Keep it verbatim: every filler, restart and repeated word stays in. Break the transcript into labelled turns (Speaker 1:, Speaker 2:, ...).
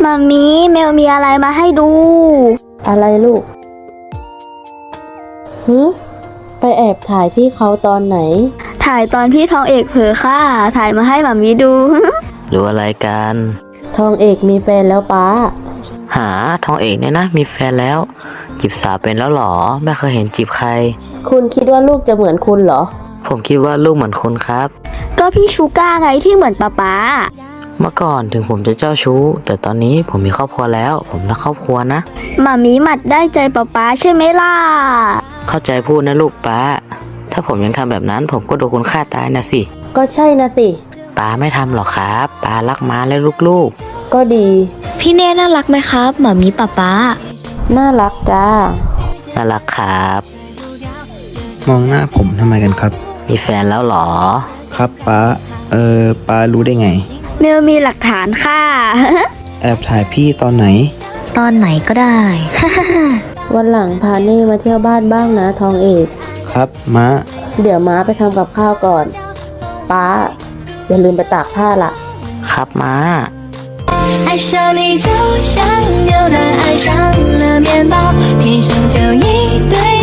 Speaker 1: มามีเมลมีอะไรมาให้ดู
Speaker 2: อะไรลูกฮึไปแอบถ่ายพี่เขาตอนไหน
Speaker 1: ถ่ายตอนพี่ทองเอกเผลอค่ะ ถ่ายมาให้มามีดู
Speaker 3: หรืออะไรกัน
Speaker 2: ทองเอกมีแฟนแล้วป้า
Speaker 3: หาทองเอกเนี่ยนะมีแฟนแล้วจีบสาวเป็นแล้วหรอไม่เคยเห็นจีบใคร
Speaker 2: คุณคิดว่าลูกจะเหมือนคุณเหรอ
Speaker 3: ผมคิดว่าลูกเหมือนคุณครับ
Speaker 1: ก็พี่ชูก้าไงที่เหมือนป๊าป๊า
Speaker 3: เมื่อก่อนถึงผมจะเจ้าชู้ แต่ตอนนี้ผมมีครอบครัวแล้ว ผมรักครอบครัวนะ
Speaker 1: มามีหมัดได้ใจป๊าป๊าใช่ไหมล่ะ
Speaker 3: เข้าใจพูดนะลูกป้า ถ้าผมยังทำแบบนั้นผมก็โดนคุณฆ่าตายนะสิ
Speaker 2: ก็ใช่นะสิ
Speaker 3: ป้าไม่ทำหรอกครับป้ารักม้าและลูก
Speaker 2: ก็ดี
Speaker 4: พี่เน่น่ารักไหมครับหมามีป๊าป๊า
Speaker 2: น่ารักจ้า
Speaker 3: ๆน่ารักครับ
Speaker 5: มองหน้าผมทำไมกันครับ
Speaker 3: มีแฟนแล้วหรอ
Speaker 5: ครับป้า เออป้ารู้ได้ไง
Speaker 1: เมลมีหลักฐานค่ะ
Speaker 5: แอบถ่ายพี่ตอนไหน
Speaker 4: ตอนไหนก็ได้
Speaker 2: วันหลังพาเน่มาเที่ยวบ้านบ้างนะทองเอก
Speaker 5: ครับม้า
Speaker 2: เดี๋ยวม้าไปทำกับข้าวก่อน ป้า อย่าลืมไปตากผ้าล่ะ
Speaker 3: ครับม้า
Speaker 6: 爱上你就像牛奶爱上了面包，天生就一对